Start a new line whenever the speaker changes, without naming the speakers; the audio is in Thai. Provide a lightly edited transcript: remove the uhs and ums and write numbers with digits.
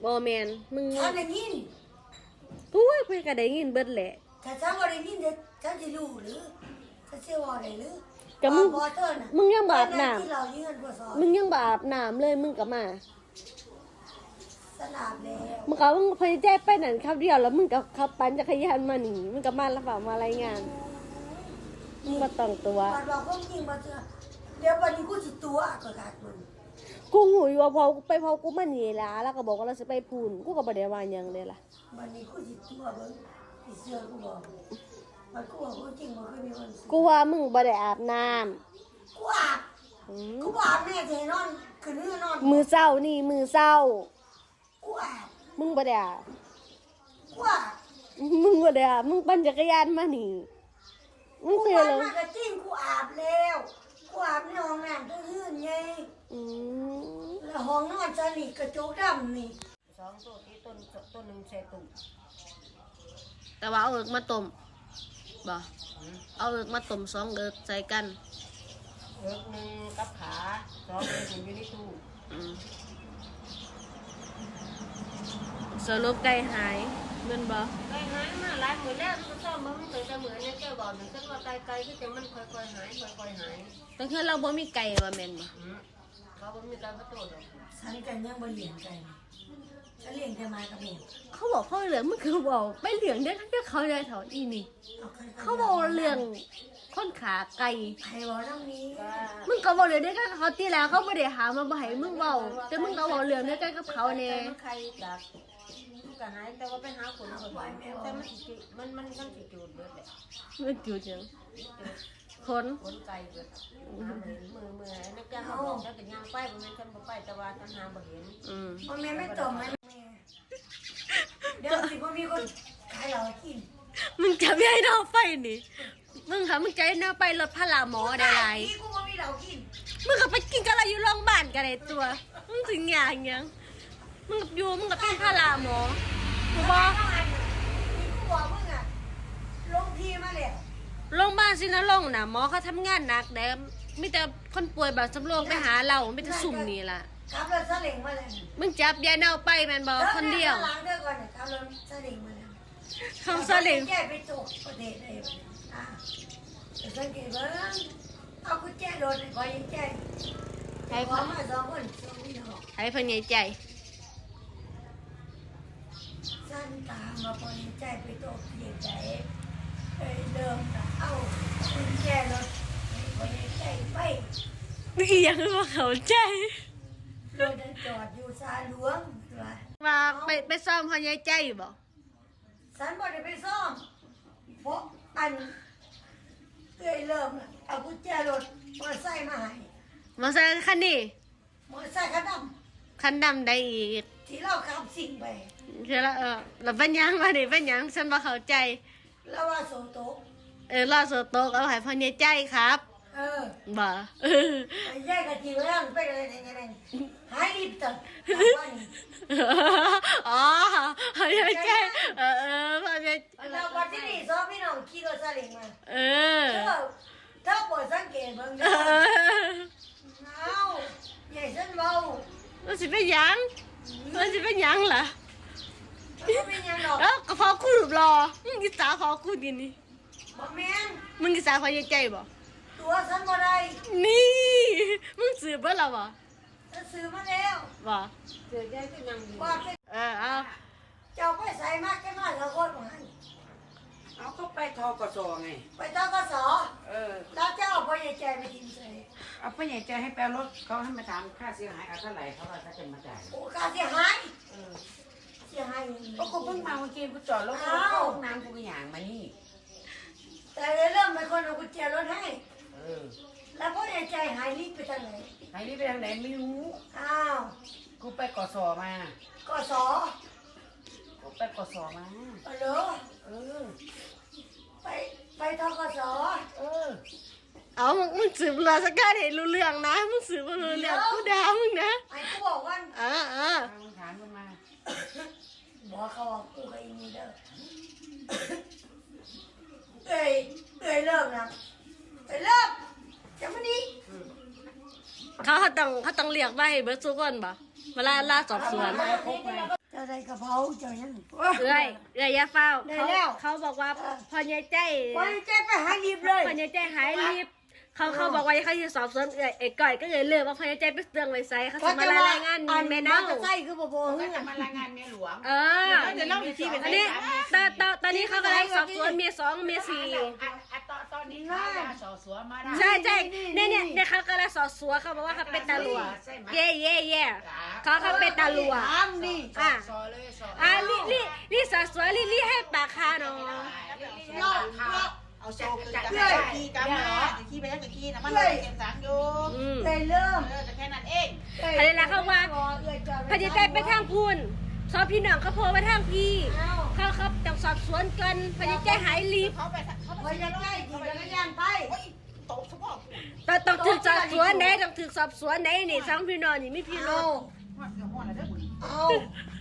บ่แม่นมึง
ฉันได้ยิน
ปุ้ยเพิ่นก็ได้ยินเบิดแหละ
ถ้าฉันบ่ได้ยินฉันจะรู้หรือฉันจะว่าได้หรือ
ก็มึงยังบาปน้ำมึงยังบาปน้ำเลยมึงก็มา
สนามแล้ว
มึงพยายามไปนั่นครับเดียวแล้วมึงก็ขับปั่นจักรยานมานี่มึงก็มาแล้วเปล่ามารายงานมึงบ่ต้องตัว
มันบอกว่าจริงบ่เจอเดี๋ยววันนี้กูสิตัวก็ขาดมึง
กูหูอยู่ว่าพอกูมานี่ล่ะแล้วก็บอกว่าเราสิไปพูนกูก็บ่ได้ว่าหยังเลยล่ะ
วันนี้กูสิตัวเบิ่งสิเชื่อกูบอกมันกูบอกว่าจริงบ่เคยมีวัน
กูว่ามึงบ่ได้อาบน้ำ
กูอาบแม่จะนอนคืนนี้นอน
มือเศร้านี่มือเศร้า
กูอาบ
มึงบ่ได้อาบ
กูอาบ
มึงบ่ได้อาบมึงปั่นจักรยานมานี่มึงเตือนเลย
ก็จริงกูอาบแล้วกูอาบในห้องน้ำตื้นไงแล้วห้องนอนฉันนี่กระจกดำนี่2ตัวที่ต้นนึงใส่ตุ่ม
แต่ว่าเอาเอิกมาต้มบ่เอาเอิกมาต้ม2เอิกใส่กัน
เอิกนึงกับขา2เอิกอยู่ในตู้
สรุปไก่หายเงินบ่
ไก่หายมาหลายมื้อแล้วมันซ่อมบ่มันแต่มื้อนี้แกบอกนึงฉันว่าไก่คือจังมันค่อยๆหายค่อยๆหาย
แต่คือเราบ่มีไก่ว่าแม่นบ่
เขาบ่มีไก่มาโตดอกฉันกันยังบ่เลี้ยงไก่ฉันเลี้ยงแต่มากับแม่
เขาบอกเขาเหลืองมันคือบอกไปเหลืองได้ทั้งที่เขาได้เท่าอีนี่เขาบอกเรื่องค้นขาไก่
ใครบอกเรื่องนี้
มึงก็บอกเลยได้ก็เขาตีแล้วเขาไม่ได้หามาบ่ให้มึงเบาแต่มึงก็บอกเรื่องได้ก็กับเขาเนี่ย
ใครดักก็หายแต่ว่าไปหาคนคนแต่มันสิจูดเบิดแหละ
มันจูดจังคน
ไก่เบิดมือนักการเขาบอกแล้วเป็นยางไปบ่แม่นฉันบ่ไปแต่ว่าฉันหาบ่เห็นบ่แม่ไม่ตรงไหมเดี๋ยวสิบ่มีคนขายเหล้ากิน
มึงจะไม่ให้เราไปนี่มึงค่ะมึงจะให้เราไปรถพลาหมอได้ไร
กูบ่มีเหล้ากิน
มึงก็ไปกินกันอะไรอยู่โรงพยาบาลกันเลยตัวมึงถึงอย่างมึงกับยูมึงกับเป็นพลาหมอกูบอก
กูบอกมึงอะลงทีมาแล้ว
โรงพยาบาลสินะลงนะหมอเขาทำงานหนักแต่มีแต่คนป่วยแบบสำรองไปหาเราไม่แต่สุ่มนี่ล่ะ
ขับรถซาเล้งมาเลย
มึงจับยายเน่าไปแมนบอคนเดียว
ล้างเด้อก่อนขับรถซาเล้งมาแล้ว
ขับซาเล้ง
แย่ไปตกประเทศเลยแต่สังเกตว่าเอากุญแจรถไปยังแจ้ให้พ่อมา2 คน2พี่น้อง
ให้เพิ่นใหญ่ใจ
สั้นตามมาพอยังแจ้ไปตกเสียใจเดิมเอากุญแจรถพอยังแจ้ไป
นี่ยังว่าเขาใจ
รถจอดอยู่ซาหลวง
ว่าไปซ่อมพอใหญ่ใจอยู่บ่
สันบ่ได้ไปซ่อมเพราะอันเริ่มเอากุญแจรถมอเตอร์ไซค์มาให้
มอเตอร์ไซค์คันนี้
มอเตอร์ไซค์คัน
ดำได้อีก
ที่เราขับสิ่งไป
เดี๋ยวแล้วเป็นยังมาดิเป็นยังฉันบ่เข้าใจ
แล้วว่าโซโต๊ะ
รอโซโต๊ะเอาให้พอใหญ่ใจครับบ่
ไอ้ใหญ่กะทิเรื่องไปเลยไงหายรีบจัง
อ๋อพอใหญ่ใจพอใหญ่
เราวันที่นี่ซ้อมพี่น้องขี่รถซาเล้งมาถ้าปวดสังเกตเบิ่งเด้อเอาใหญ่ฉันเบา
มันสิเป็นยังล่ะ
เป็นยังดอก
ก็พอกูหลุดรอมึงกินสาพอกูกินนี่
บ่แม่น
มึงกินสาพอใหญ่ใจบ่
ตัวฉันบ่ได้
นี่มึงซื้อเบิ่แล้วบ่
ฉันซื้อมาแล้ว
บ่
ซื้อได้ก็ยังว่า
เอา
เจ้าไปใส่มากแค่มาละคนว่า
เอาก็ไปทกสไง
ไปทกสแล้วเจ้าพ่อใหญ่ใจไปทิ้งใส่
เอาพ่อใหญ่ใจให้แปลรถเขาให้มาถามค่าเสียหายเอาเท่าไหร่เขาว่าเขาจะมาจ่าย
โอ้ค่าเสียหายเสียหาย
ก็กูเพิ่งมาเมื่อกี้กูจอดรถเข้าห้องน้ำกูไปอย่างมานี่
แต่เริ่มเป็นคนเอากุญแจรถให้แล้วพ่อใหญ่ใจหายรีบไปทางไหน
หายรีบไปทางไหนไม่รู้กูไปกสมาก
ส
กูไปกสมา
เหรอไปทกส
เอามึงสืบเรื่องสักการเห็นรู้เรื่องนะมึงสืบมารู้เรื่องกูด่ามึงนะ
ไอ้กูบอกว่า
มึงถามมึงมา
บอกเขาว่ากูกับอีนี่เด้อเลิกนะเลิกจะมานี่
เขาต้องเรียกไว้เบิร์ดทุกคนบ่เวลาสอบสวน
เจ้าอะไรกระเพราเจ้ายัง
เอ้ยอย่าเฝ้า
ได้แล้ว
เขาบอกว่าพอใหญ่ใจ
ไปเจ๊ไปหารีบเลย
พอใหญ่ใจหายรีบเขาบอกว่าเขาจะสอบสวนไอ้ก่อยก็เลยเลือกว่าพอใหญ่ใจไปเตืองไว้ไซเขาจะมารายงานแม่เน่า
ใส่คือบ่บ่
ก็จะมารายงานเมียหลวง
เดี๋ยวเล่าอีกทีอันนี้ตอนนี้เขากำลังสอบสวนเมีย2เมีย4
ตอนนี้เขาจะสอบสวนมาได้
ใช่เนี่ยเขากำลังสอบสวนเขาบอกว่าเขาเป็นตาหลัวเย่เขาเป็นตาหลัว
ถามดิ
อ่ะ
สอเลยสอ
ลี่สอบสวนลี่ให้ปากคาเนาะ
เอาโซ่คือจะขี้กันเหรอขี้ไปแล้วจะขี้นะมันเลยเก็บสังอยู่
เลยเริ่ม
จะแค่นั้นเอง
อะไรล่ะเขาว่าพอใหญ่ใจไปทางพูนสอบพี่น้องเขาโผล่มาทางพี่เขาต้องสอบสวนกันพอใหญ่ใจหายรีบ
เขาไป
พอจะใกล้ขี่จักรยานไป
ตบสมอง
ต้องถึกสอบสวนไหนต้องถึกสอบสวนไหนนี่สองพี่น้องนี่ไม่พี่น้อง
หัวอะไรเด้อ
เอา